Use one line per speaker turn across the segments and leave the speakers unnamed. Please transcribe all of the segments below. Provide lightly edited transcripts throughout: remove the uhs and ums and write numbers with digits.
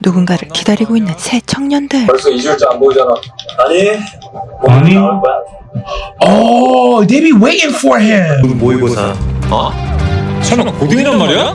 누군가를 기다리고 있는 새 청년들.
벌써 2주일째 안 보이잖아. 아니?
아니?
나올 거야?
Oh, they be waiting for him.
모의고사. 어?
설마 고등이란 말이야?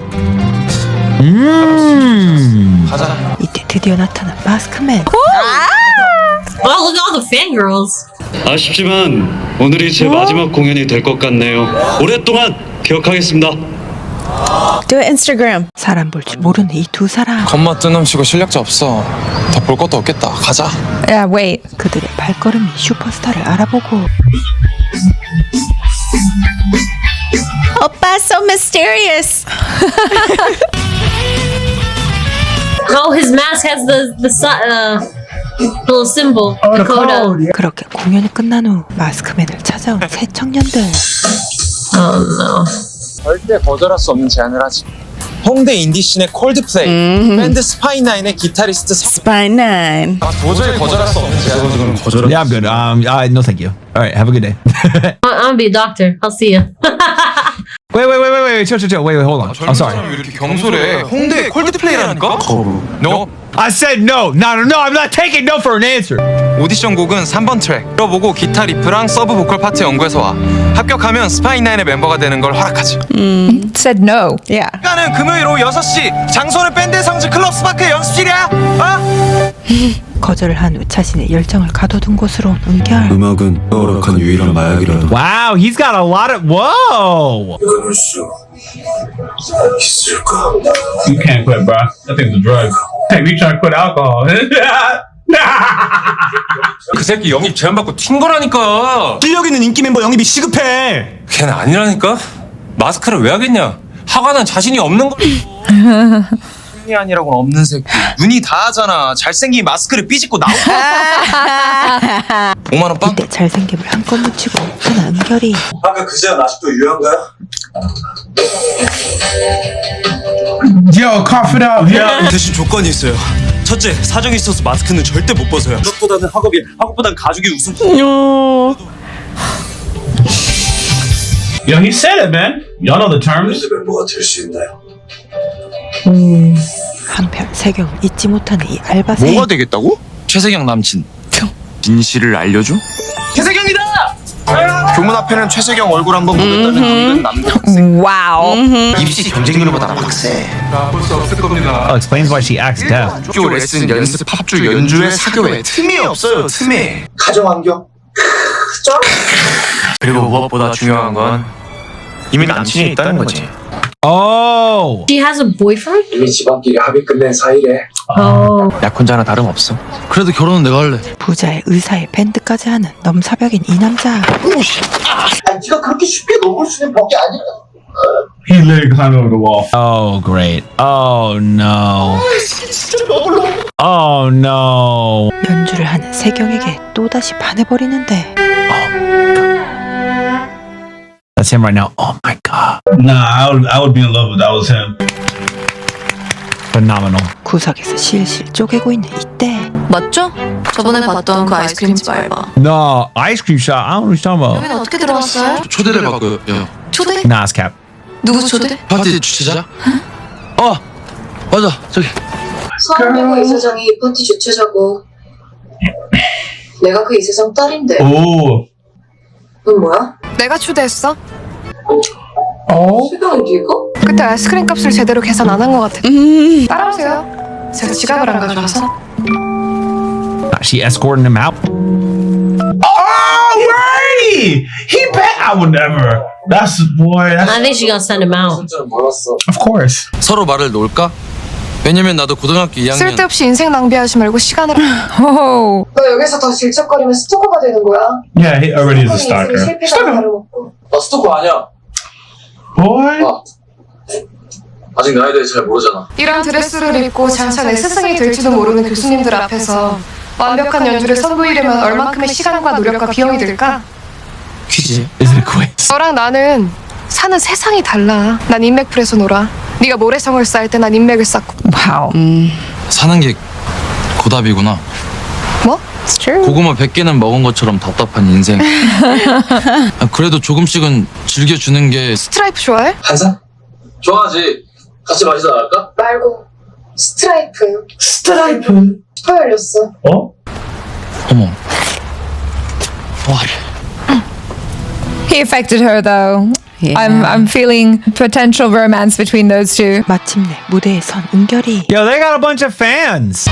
가자.
이때 드디어 나타난 마스크맨.
Wow, look at all the fangirls.
아쉽지만 오늘이 제 마지막 공연이 될 것 같네요. 오랫동안 기억하겠습니다.
Do it Instagram.
사람 볼 줄 모르는 이 두 사람.
겉멋 뜨놈치고 실력자 없어. 더 볼 것도 없겠다. 가자.
Yeah, wait.
그들의 발걸음이 슈퍼스타를 알아보고
Oppa, so mysterious.
Oh, his mask has the little symbol, the coda.
그렇게 공연이 끝난 후 마스크맨을 찾아온 새 청년들.
Oh no.
절대 거절할 수 없는 제안을 하지. 홍대 인디씬의 콜드플레이, 밴드 스파이나인의 기타리스트
Spine 9.
도저히 거절할 수 없는 제안.
Yeah, I'm good. No, thank you. All right, have a good day.
I'm gonna be a doctor. I'll see you.
wait, chill. Wait, hold on. I'm sorry.
왜 이렇게 경솔해? 홍대 콜드플레이라니까? No.
I said no. I'm not taking no for an answer.
오디션 곡은 3번 트랙. 들어보고 기타 리프랑 서브 보컬 파트 연구해서 와. 합격하면 스파이나인의 멤버가 되는 걸 허락하지.
Said no. Yeah.
시간은 금요일 오후 6시. 장소는 밴드의 성지 클럽 스파크의 연습실이야. 어?
거절을 한 후 자신의 열정을 가둬둔 곳으로 온 은결.
음악은 허락한 유일한 마약이라도
Wow, he's got a lot of. Whoa.
끊을 수 있을까?
You can't quit, bro. That thing's a drug. Hey, we trying to quit alcohol.
그 새끼 영입 제안받고 튄 거라니까.
실력 있는 인기 멤버 영입이 시급해.
걔는 아니라니까. 마스크를 왜 하겠냐. 하관은 자신이 없는 거.
이 아니라고는 없는 새끼. 눈이 다 하잖아. 잘생긴 마스크를 삐짓고 나오고. 5만 원 빵.
이때 잘생김을 한껏 묻히고 하는 은결이.
아까 그 제안 아직도 유효한가요?
Yo, cough it out. Yeah.
대신 조건이 있어요. 첫째, 사정이 있어서 마스크는 절대 못 벗어요. 학보다는 학업이, 학업보단 가족이 우선.
Yo, he said it, man. Y'all know the terms.
밴드 멤버가 될 수 있나요?
한편 세경은 잊지 못하는 이 알바생.
되겠다고? 최세경 남친. 진실을 알려줘? 최세경이다! 교문 앞에는 최세경 얼굴 한번 보겠다는 당근 남자 학생.
Wow.
입시 경쟁률보다 빡세.
Oh, explains why she acts deaf.
학교 레슨 연습 팝주 연주회 사교회 틈이 없어요 틈이.
가정 환경.
그리고 무엇보다 중요한 건 이미 남친이 있다는 거지.
Oh.
She has a boyfriend?
이미 집안끼리 합의 끝낸 사이래.
Oh.
약혼자나 다름없어. 그래도 결혼은 내가 할래.
부자의 의사의 밴드까지 하는 넘사벽인 이 남자.
아니 네가 그렇게 쉽게 넘을 수 있는 벽이 아니야.
He literally climbed over the wall. Oh, great. Oh, no. Oh, no.
연주를 하는 세경에게 또다시 반해버리는데.
That's him right now. Oh, my God. Nah, I would be in love if that was him. Phenomenal.
구석에서 실실 쪼개고 있는 이때.
맞죠? 저번에 봤던 그 아이스크림집 알바.
No, ice cream shop. I don't know what you're talking about.
여기는 어떻게 들어왔어요?
초대를 받고요.
초대?
Nah, it's cap.
누구 초대?
파티 주최자? 맞아 저기.
서한이고 이사장이 이 파티 주최자고 내가 그 이사장 딸인데
Oh.
넌 뭐야?
내가 초대했어.
세경이 네가?
그때 아이스크림 값을 제대로 계산 안 한 것 같아. 따라오세요. 제가 지갑을 안 가져와서.
She escorting him out. Oh, right! He bet I would never. That's boy.
I
That's
think she gonna send him out.
진짜는 몰랐어.
of course.
서로 말을 놓을까? 왜냐면 나도 고등학교 2학년.
쓸데없이 인생 낭비하지 말고 시간을.
Oh.
너 여기서 더 질척거리면 스토커가 되는 거야.
Yeah, he already is a
인생이
stalker.
실패가 다름없고
나 스토커 아니야.
Boy.
아직 나에 대해 잘 모르잖아.
이런 드레스를 입고 장차 내 스승이 될지도 모르는 교수님들 앞에서 완벽한 연주를 선보이려면 얼만큼의 시간과 노력과 비용이 들까?
퀴즈.
Is it a quiz?
너랑 나는 사는 세상이 달라. 난 인맥풀에서 놀아. 네가 모래성을 쌓을 때 난 인맥을 쌓고.
Wow.
사는 게 고답이구나.
뭐?
It's true.
고구마 100개는 먹은 것처럼 답답한 인생. 그래도 조금씩은 즐겨주는 게.
스트라이프 좋아해?
한잔? 좋아하지. 같이 마시다 갈까?
말고 스트라이프요.
스트라이프.
혀 열렸어.
어?
어머.
He affected her though. I'm feeling potential romance between those two.
마침내 무대에 선 은결이
Yo, they got a bunch of fans.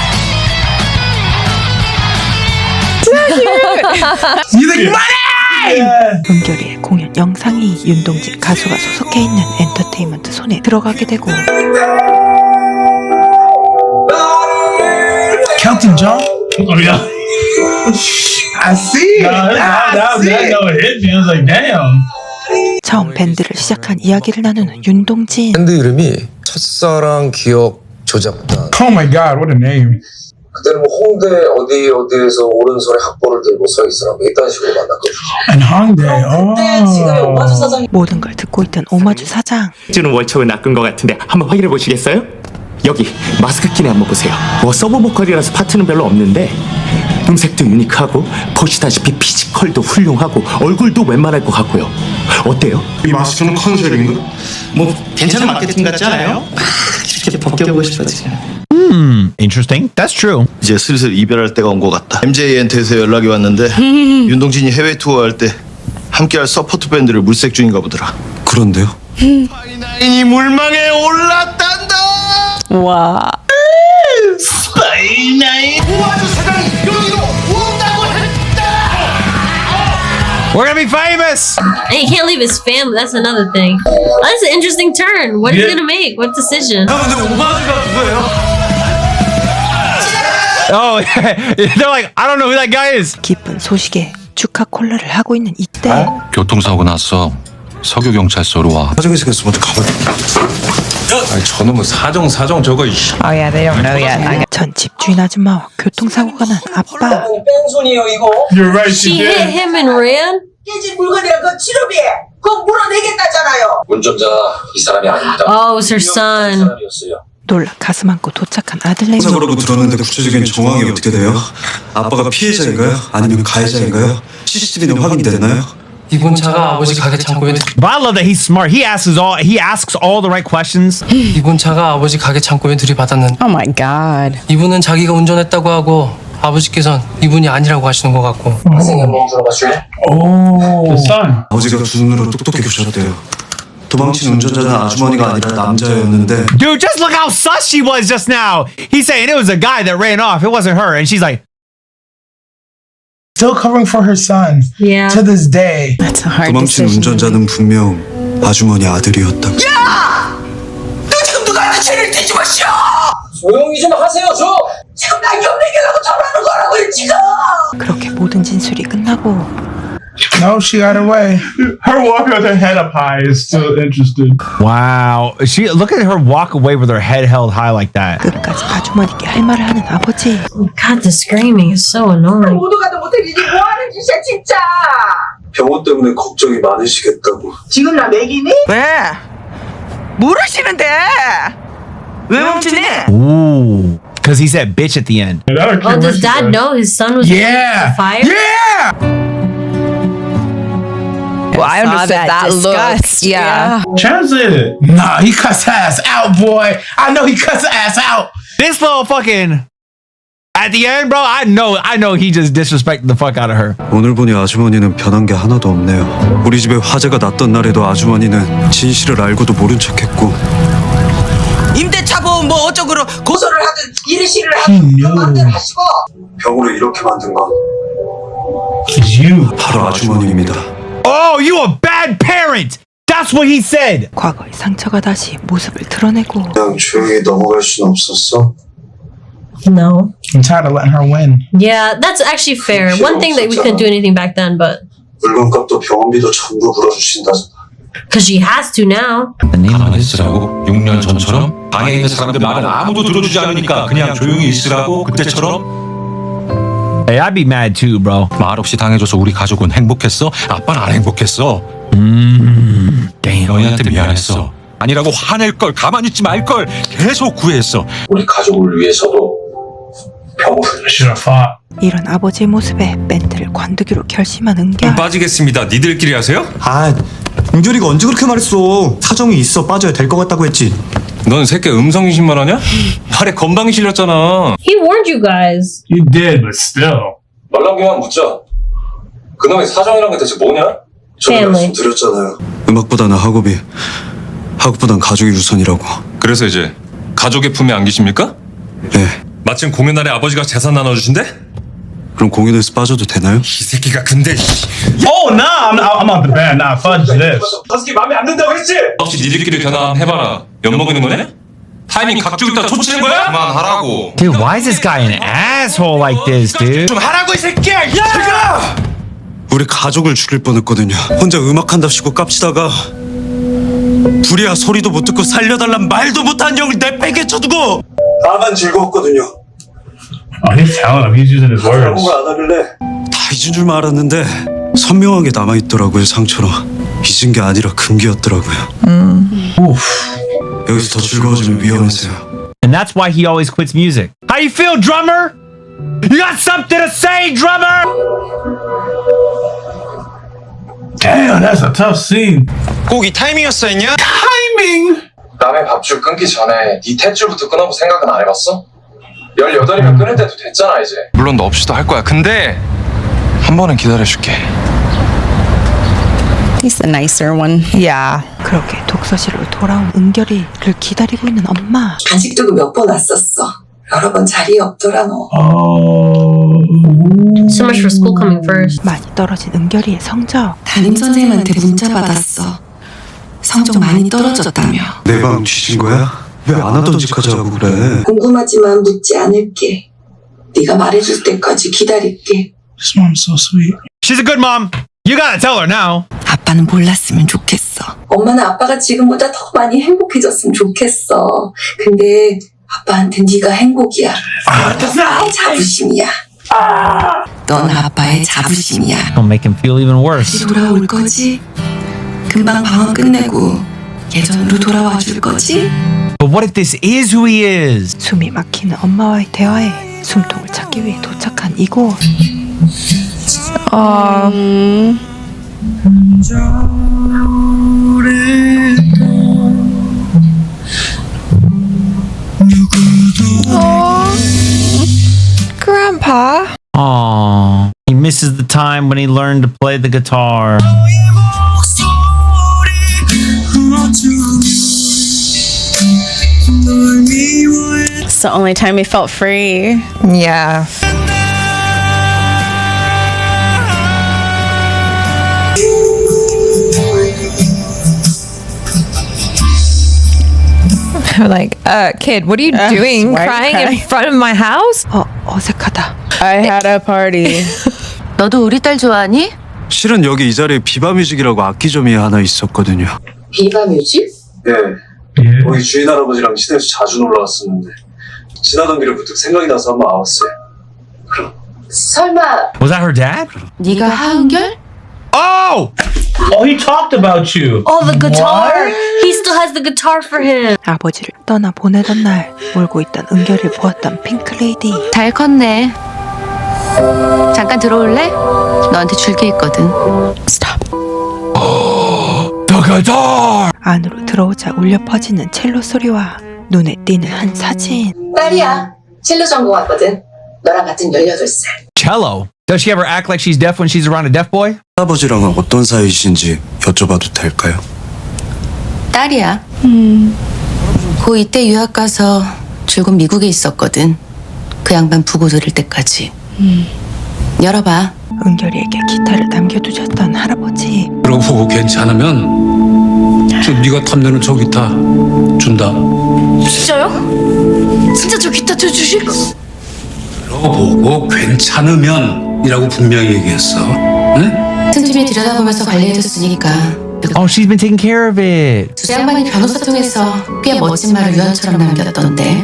You think money?
은결이의 공연 영상이 윤동진 가수가 소속해 있는 엔터테인먼트 손에 들어가게 되고
Kelton John? Oh yeah. I see. That hit me. I was like, damn.
처음 밴드를 시작한 이야기를 나누는 윤동진.
밴드 이름이 첫사랑 기억 조작단.
Oh my god, what a name.
그때는 뭐 홍대 어디에서 오른손에 학벌을 들고 서 있으라고 이딴 식으로 만났거든요.
And Hongdae.
모든 걸 듣고 있던 오마주 사장.
주는 월척을 낚은 것 같은데 한번 확인해 보시겠어요? 여기 마스크 끼네 한번 보세요. 뭐 서브 보컬이라서 파트는 별로 없는데 음색도 유니크하고 보시다시피 피지컬도 훌륭하고 얼굴도 웬만할 것 같고요. 어때요?
이 마스크는 컨셉인가?
뭐 괜찮은 마케팅 같지 않아요? 이렇게 벗겨보고 싶어지네.
Interesting. That's true.
이제 슬슬 이별할 때가 온 것 같다. MJ한테서 연락이 왔는데 윤동진이 해외 투어할 때 함께할 서포트 밴드를 물색 중인가 보더라. 그런데요? 파이나인이 물망에 올랐단다.
Wow.
파이나인 오마주 사장이 여기로 온다고 했다.
We're gonna be famous.
And he can't leave his family. That's another thing. That's an interesting turn. What is he gonna make? What decision?
근데 오마주가 누구예요?
Oh, they're like, I don't know who that guy is.
기쁜 소식에 축하 콜라를 하고 있는 이때
교통사고 났어. 서교 경찰서로 와.
사정이 생겼어. 먼저 가봐.
아니 저놈은 사정 저거.
Oh yeah, they don't know yet.
전 집주인 아줌마와 교통사고가 난 아빠.
뺑소니에요 이거.
You're right.
She hit him and ran?
깨진 물건이랑 그 치료비 그거 물어내겠다잖아요.
운전자 이 사람이 아닙니다.
Oh, it's her son.
사람이었어요.
놀라 가슴 안고 도착한 아들네임.
사고라고 들었는데 구체적인 정황이 어떻게 돼요? 아빠가 피해자인가요? 아니면 가해자인가요? CCTV는 확인됐나요?
이번 차가 아버지 가게 창고에
But I love that he's smart. He asks all the right questions.
이번 차가 아버지 가게 창고에 들이받았는데
Oh my god.
이분은 자기가 운전했다고 하고 아버지께서는 이분이 아니라고 하시는 것 같고.
선생님 한번 들어봐 줄래?
Oh, the son.
아버지가 두 눈으로 똑똑히 보셨대요. 도망친 운전자는 아주머니가 아니라 남자였는데
Dude, just look how sus she was just now. He's saying it was a guy that ran off. It wasn't her. And she's like, still covering for her son
Yeah.
to this day.
That's a hard
도망친
decision.
운전자는 분명 아주머니 아들이었다.
너 지금 누구한테 죄를 떼지 마시오.
조용히 좀 하세요 좀.
지금 나 연예계라고 전하는 거라고요 지금.
그렇게 모든 진술이 끝나고
No, she got away. Her walk with her head up high is still interesting. Wow. Look at her walk away with her head held high like that.
끝까지 아주머니께 할 말을 하는 아버지.
God, the screaming is so annoying.
모두 가도 못해 이게 뭐 하는 짓이야 진짜.
병원 때문에 걱정이 많으시겠다고.
지금 나 맥이니?
왜? 모르시는데 왜 멈추니?
Ooh. Because he said bitch at the end.
Oh, does dad know his son was
Yeah.
on fire?
Yeah.
Well, I understand that
disgust.
look. Yeah.
Translate it. Nah, he cuts her ass out, boy. I know he cuts her ass out. This little fucking at the end, bro. I know he just disrespected the fuck out of her.
오늘 보니 아주머니는 변한 게 하나도 없네요. 우리 집에 화재가 났던 날에도 아주머니는 진실을 알고도 모른 척했고
임대차 보험 뭐 어쩌고로
고소를 하든 일시를 하든 마음대로 하시고.
병으로 이렇게 만든 건
It's you.
바로 아주머니입니다.
Oh, you a bad parent. That's what he said.
과거의 상처가 다시 모습을 드러내고
그냥 조용히 넘어갈 순 없었어?
No.
I'm tired of letting her win.
Yeah, that's actually fair. One thing that we couldn't do anything back then, but
물건값도 병원비도 전부 물어주신다잖아.
because she has to now.
가만히 있으라고? 6년 전처럼? 방에 있는 사람들 말은 아무도 들어주지 않으니까 그냥 조용히 있으라고? 그때처럼?
Hey, I'd be mad too, bro.
말 없이 당해줘서 우리 가족은 행복했어? 아빠는 안 행복했어.
Damn.
너희한테 미안했어. 아니라고 화낼걸, 가만히 있지 말걸 계속 구애했어.
우리 가족을 위해서도 병을
Should have fought.
이런 아버지의 모습에 밴드를 관두기로 결심한 은결.
빠지겠습니다. 니들끼리 하세요?
아, 은결이가 언제 그렇게 말했어? 사정이 있어 빠져야 될 것 같다고 했지.
넌 새끼 음성인신만 하냐? 발에 건방이 실렸잖아.
He warned you guys.
You did, but still.
말랑기만 묻자. 그놈의 사정이란 게 대체 뭐냐?
Family.
드렸잖아요. 음악보다는 학업보단 가족이 우선이라고.
그래서 이제 가족의 품에 안기십니까?
네.
마침 공연 날에 아버지가 재산 나눠주신대?
그럼 공연에서 빠져도 되나요?
이 새끼가 근데
Oh, nah, I'm out the band. Nah, fudge this.
다섯개 마음에 안 든다고 했지? 혹시 니들끼리 견학해봐라. 엿먹이는 거네? 타이밍 각주고 있다 초치는 거야?
그만하라고.
Dude, why is this guy an asshole like this, dude?
좀 하라고 이 새끼야. 야!
우리 가족을 죽일 뻔했거든요. 혼자 음악한답시고 깝치다가 불이야 소리도 못 듣고 살려달란 말도 못한 형을 내빼게 쳐두고 나만 즐거웠거든요.
Oh, he's telling him. He's using his words.
안 하길래 다 잊은 줄만 알았는데 선명하게 남아있더라고요. 상처로 잊은 게 아니라 금기였더라고요. 여기서 더 즐거워지면 위험해서요.
And that's why he always quits music. How you feel, drummer? You got something to say, drummer? Damn, that's a tough scene.
꼭 이 타이밍이었어 했냐?
Timing.
남의 밥줄 끊기 전에 니 탯줄부터 끊어볼 생각은 안 해봤어? 18이면 끊을 때도 됐잖아 이제.
물론 너 없이도 할 거야. 근데 한 번은 기다려줄게.
He's the nicer one.
Yeah.
그렇게 독서실로 돌아온 은결이를 기다리고 있는 엄마.
간식도 몇 번 왔었어. 여러 번 자리에 없더라 너.
So much for school coming first.
많이 떨어진 은결이의 성적.
담임 선생님한테 문자 받았어. 성적 많이 떨어졌다며.
내 방 뒤진 거야? 왜 안 하던 짓까지 하고 그래?
궁금하지만 묻지 않을게. 네가 말해줄 때까지 기다릴게.
This mom's so sweet. She's a good mom. You gotta tell her now.
아빠는 몰랐으면 좋겠어. 엄마는 아빠가 지금보다 더 많이 행복해졌으면 좋겠어. 근데 아빠한테 네가 행복이야. 아빠의 자부심이야. 넌 아빠의 자부심이야.
Don't make him feel even worse.
돌아올 거지? 금방 방학 끝내고 예전으로 돌아와 줄 거지?
But what if this is who he is?
숨이 막히는 엄마와의 대화에 숨통을 찾기 위해 도착한 이곳.
Grandpa.
Aww. He misses the time when he learned to play the guitar.
It's the only time he felt free.
Yeah. Like, kid, what are you doing?
why are you
Crying
crying?
in front of my house?
어색하다.
I had a party.
너도 우리 딸 좋아하니?
실은 여기 이 자리에 비바뮤직이라고 악기점이 하나 있었거든요.
비바뮤직?
네. 거기 주인 할아버지랑 시내에서 자주 놀러 왔었는데 지나던 길에 문득 생각이 나서 한번 와봤어요.
설마
Was that her dad?
네가 하은결?
Oh! Oh, he talked about you.
Oh, the guitar. He still has the guitar for him.
아버지를 떠나 보내던 날 울고 있던 은결이를 보았던 핑크레이디.
잘 컸네. 잠깐 들어올래? 너한테 줄 게 있거든.
The guitar!
안으로 들어오자 울려 퍼지는 첼로 소리와 눈에 띄는 한 사진.
딸이야. 첼로 전공하거든. 너랑 같은 18살.
Cello. Does she ever act like she's deaf when she's around a deaf boy?
할아버지랑은 어떤 사이신지 여쭤봐도 될까요?
딸이야. 고2 때 유학 가서 줄곧 미국에 있었거든. 그 양반 부고 들을 때까지. 열어봐.
은결이에게 기타를 남겨두셨던 할아버지.
그러고 괜찮으면 저 네가 탐내는 저 기타 준다.
진짜요? 진짜 저 기타 쳐주실 거?
들어보고 괜찮으면이라고 분명히 얘기했어. 응?
틈틈이 들여다보면서 관리해줬으니까.
Oh, she's been taking care of it.
두 양반이 변호사 통해서 꽤 멋진 말을 유언처럼 남겼던데.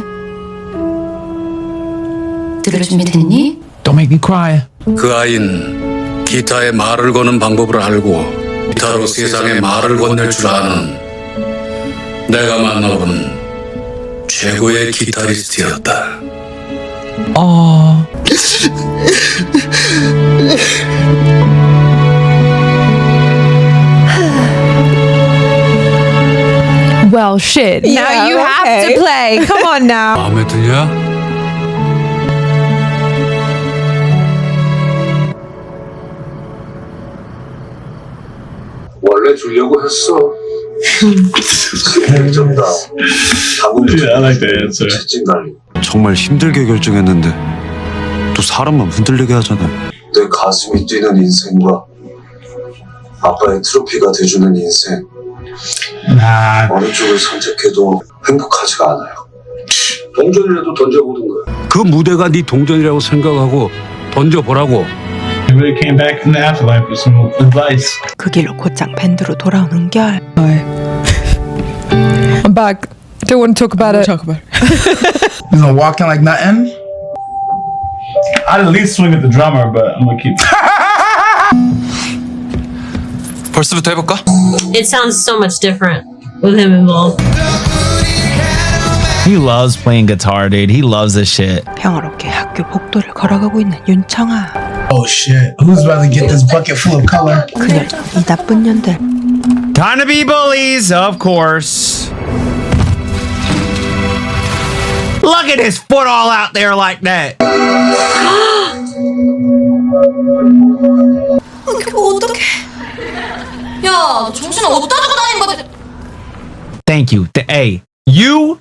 들을 준비 됐니?
Don't make me cry.
그 아인 기타에 말을 거는 방법을 알고 기타로 세상에 말을 건넬 줄 아는 내가 만나본 최고의 기타리스트였다.
Oh.
Well, Well, shit.
Yeah,
now you have
okay.
to play. Come on now.
마음에 드냐?
원래 주려고 했어. 결정다. 채찍 날리고.
정말 힘들게 결정했는데 또 사람만 흔들리게 하잖아요.
내 가슴이 뛰는 인생과 아빠의 트로피가 돼주는 인생. 어느 쪽을 선택해도 행복하지가 않아요. 동전이라도 던져보는 거야.
그 무대가 네 동전이라고 생각하고 던져보라고.
really came back in the afterlife with some advice.
그 길로 곧장 밴드로 돌아온 은결.
I'm back. Don't want to talk about it.
He's gonna walk in like nothing. I'd at least swing at the drummer, but I'm gonna keep.
벌써부터 해볼까?
It sounds so much different with him involved.
He loves playing guitar, dude. He loves this shit.
평화롭게 학교 복도를 걸어가고 있는 윤청아.
Oh shit! Who's about to get this bucket full of color?
그녀 이 나쁜 년들.
Time to be bullies, of course. Look at his foot all out there like that.
어떡해. 야, 정신 어디다 두고 다니는 거지?
Thank you. Hey, you.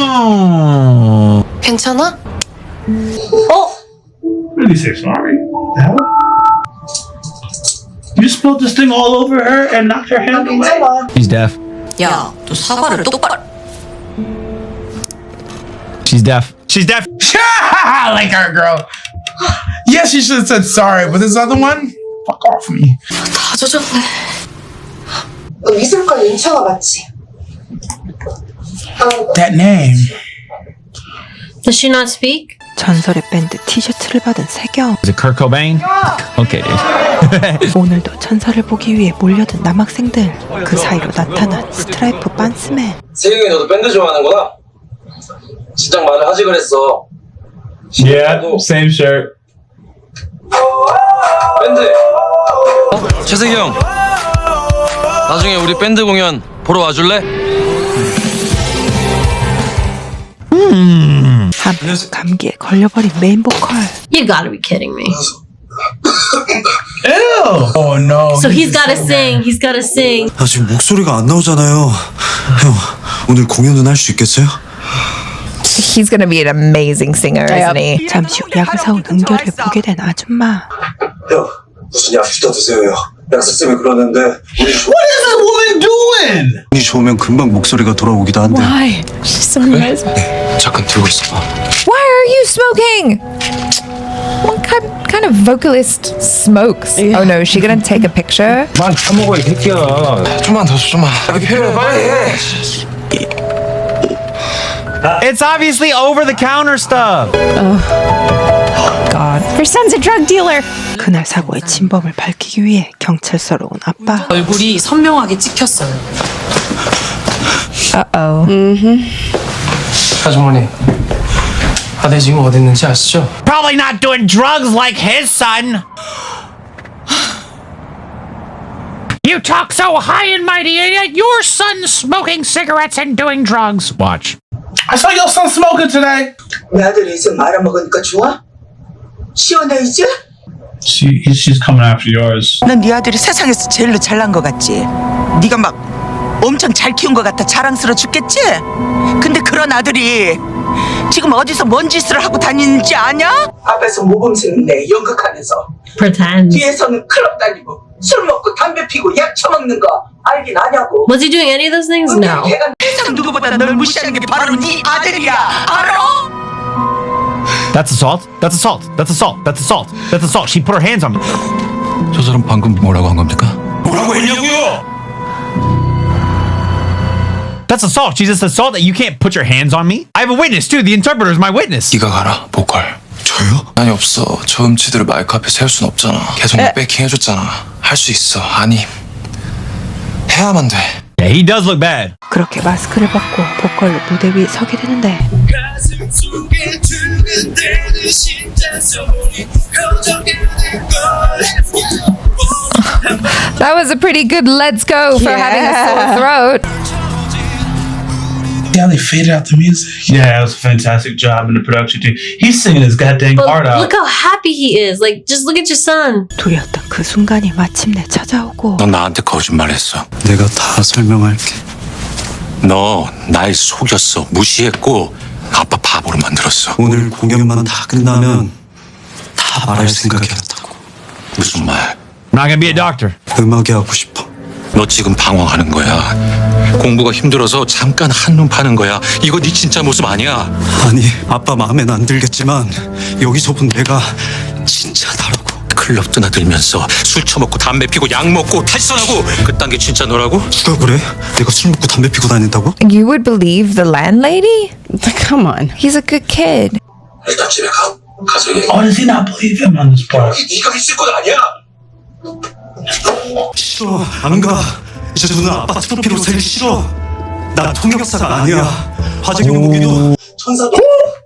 괜찮아?
Really say sorry. The hell? You spilled this thing all over her and knocked her hand away. She's deaf.
야, 너 사과를 똑바로.
She's deaf. She's deaf. I like her, girl. Yes, you should have said sorry, but this other one, fuck off me.
다 젖었네.
너 미술관 윤청아 맞지?
That name.
Does she not speak?
전설의 밴드 티셔츠를 받은 세경.
Is it Kurt Cobain? Okay, dude.
오늘도 천사를 보기 위해 몰려든 남학생들. 그 사이로 나타난 스트라이프 빤스맨.
세경이 너도 밴드 좋아하는구나? 진작 말을 하지 그랬어.
Yeah, same shirt.
밴드.
최세기 형, 나중에 우리 밴드 공연 보러 와줄래?
감기에 걸려버린 메인 보컬.
You gotta be kidding me.
Ew! Oh no.
So he's gotta sing. He's gotta sing.
나 지금 목소리가 안 나오잖아요. 형, 오늘 공연은 할 수 있겠어요?
He's gonna be an amazing singer, isn't he?
잠시 후 약을 사온 은결을 보게 된 아줌마.
형, 무슨 약 휘다 드세요. 약사 쌤이 그러는데 우리
What is this woman doing?
운이 좋으면 금방 목소리가 돌아오기도 한데.
Why? She's so nice.
잠깐 들고 있어봐.
Why are you smoking? What kind of vocalist smokes? Oh no, is she gonna take a picture?
만 처먹어 이 새끼야.
좀만 더 줘, 좀만. 빨리 해.
It's obviously over the counter stuff.
God.
Your son's a drug dealer.
그날 사고의 진범을 밝히기 위해 경찰서로 온 아빠.
얼굴이 선명하게 찍혔어요.
Uh-oh.
아주머니, 아들 지금 어디 있는지 아시죠?
Probably not doing drugs like his son. You talk so high and mighty, and yet your son's smoking cigarettes and doing drugs. Watch. I saw your son smoking today.
내 아들이 이제 말아먹으니까 좋아? 시원해 이제?
She's coming after yours.
넌 네 아들이 세상에서 제일로 잘난 것 같지? 네가 막 엄청 잘 키운 것 같아 자랑스러워 죽겠지? 근데 그런 아들이 지금 어디서 뭔 짓을 하고 다니는지 아냐? 앞에서 모범생네 연극하면서
Pretend.
뒤에서는 클럽 다니고 술 먹고 담배 피고 약 처먹는 거 알긴 아냐고.
Was he doing any of those things? No.
걔가 세상 누구보다 널 무시하는 게 바로 네 아들이야. 알아?
That's assault. That's assault. That's assault. That's assault. That's assault. She put her hands on me.
저 사람 방금 뭐라고 한 겁니까?
뭐라고 했냐고요? That's assault. She's just assault that you can't put your hands on me. I have a witness too. The interpreter is my witness.
네가 가라, 보컬.
저요?
아니 없어. 저 음치들을 마이크 앞에 세울 순 없잖아. 계속 백킹 해줬잖아. 할 수 있어. 아니, 해야만 돼.
Yeah, he does look bad.
그렇게 마스크를 벗고 보컬로 무대 위에 서게 되는데
That was a pretty good let's go for having a sore throat.
Yeah, they faded out the music. Yeah, it was a fantastic job in the production team. He's singing his goddamn
But
heart out.
look how happy he is. Like, just look at your son.
두려웠던 그 순간이 마침내 찾아오고
넌 나한테 거짓말했어.
내가 다 설명할게.
너 날 속였어. 무시했고 아빠 바보로 만들었어.
오늘 공연만 다 끝나면 다 말할 생각이었다고.
무슨 말?
I'm not gonna be a doctor.
음악이 하고 싶어.
너 지금 방황하는 거야. 공부가 힘들어서 잠깐 한눈 파는 거야. 이거 네 진짜 모습 아니야.
아니, 아빠 마음엔 안 들겠지만 여기서 본 내가 진짜 다르고.
클럽 드나들면서 술 처먹고 담배 피고 약 먹고 탈선하고 그딴 게 진짜 너라고?
누가 그래? 내가 술 먹고 담배 피고 다닌다고?
You would believe the landlady? Come on. He's a good kid.
일단 집에 가서 얘기해.
Why does he not believe him on this part?
네가 있을 건 아니야.
싫어, 안 가. 이제 저는 아빠 트로피로 살기 싫어. 나 통역사가 아니야. 화재 경보기도
천사도.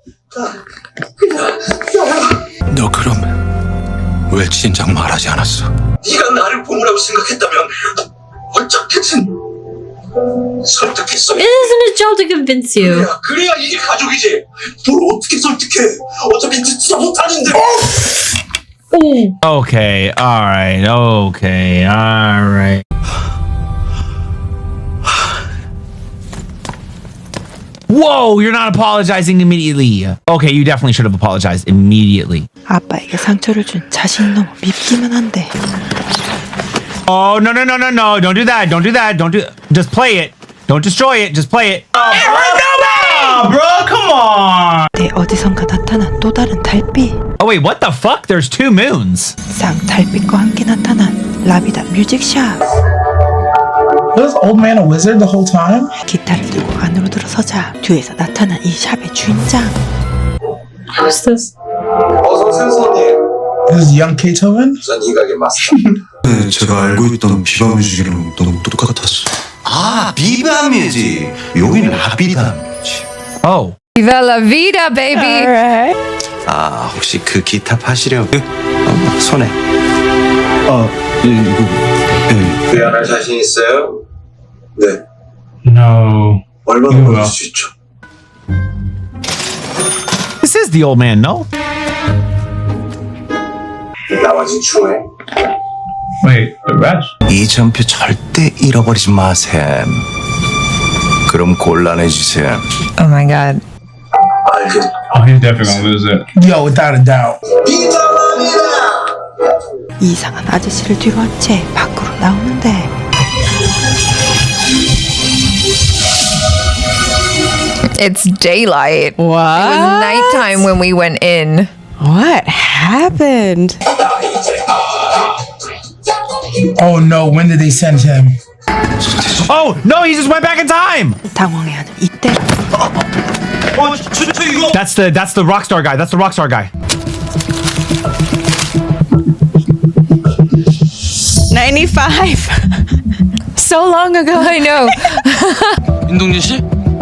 너 그럼 왜 진작 말하지 않았어?
네가 나를 보물하고 생각했다면 어떻게든 설득했어.
It isn't his job to convince you.
그래야 이게 가족이지. 뭘 어떻게 설득해? 어차피 듣지도 못하는데.
Okay, alright, okay, alright. Whoa, you're not apologizing immediately. Okay, you definitely should have apologized immediately.
아빠에게 상처를 준 자신이 너무 밉기만 한데.
Oh, no, no, no, no, no. Don't do that. Don't do that. Don't do Just play it. Don't destroy it. Just play it.
Bro, come on.
내 어디선가 나타난 또 다른 달빛.
Oh, wait, what the fuck? There's two moons.
쌍달빛과 함께 나타난 라비다 뮤직샵.
Was this old man a wizard the whole time?
기타를 들고 안으로 들어서자 뒤에서 나타난 이 샵의 주인장.
Who's this?
어서 오세요, 손님.
This is young Beethoven?
전 이 가게 마스터.
네, 제가 알고 있던 비바 뮤직이랑 너무 똑같았어.
아, 비바 뮤직. 여긴 라비다 뮤직.
Oh.
Viva la vida, baby.
아, 혹시 그 기타 파시려고? 손에.
이거.
구현할 자신 있어요? 네.
No.
얼마나 걸릴 수 있죠?
This is the old man, no?
나머진 추해.
Wait, the rest?
이 전표 절대 잃어버리지 마셈. 그럼 곤란해지셈.
Oh my god.
알겠.
Oh, he's definitely gonna lose it. Yo, without a doubt.
이상한 아저씨를 뒤로 한 채 밖으로 나오는데.
It's daylight.
What?
It was nighttime when we went in.
What happened?
Oh no, when did they send him?
Oh, no, he just went back in time.
당황해하는 이때.
That's the Rockstar guy. That's the Rockstar guy.
95. So long ago.
I know.
윤동진 씨?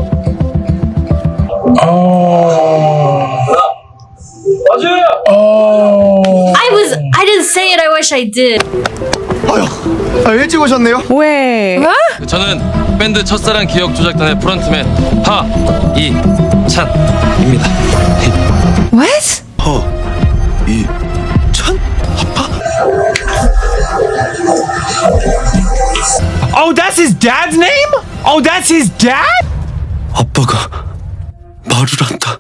I didn't say it. I wish I did.
일찍 오셨네요.
왜?
저는 밴드 첫사랑 기억 조작단의 프런트맨 하이찬입니다.
What?
이찬? 아빠?
Oh, that's his dad's name? Oh, that's his dad?
아빠가 말을 한다.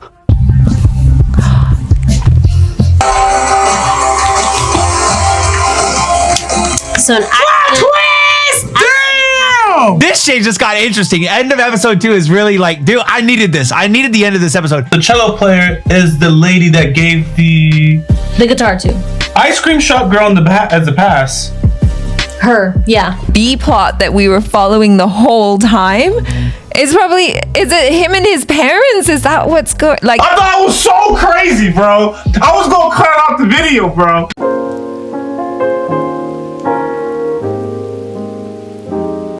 So an
twist! Damn! This shit just got interesting. End of episode 2 is really like, dude, I needed this. I needed the end of this episode.
The cello player is the lady that gave the
guitar to
ice cream shop girl in the as the pass.
her. Yeah.
B plot that we were following the whole time. Is it him and his parents? Is that what's going like?
I thought it was so crazy, bro. I was gonna cut out the video, bro.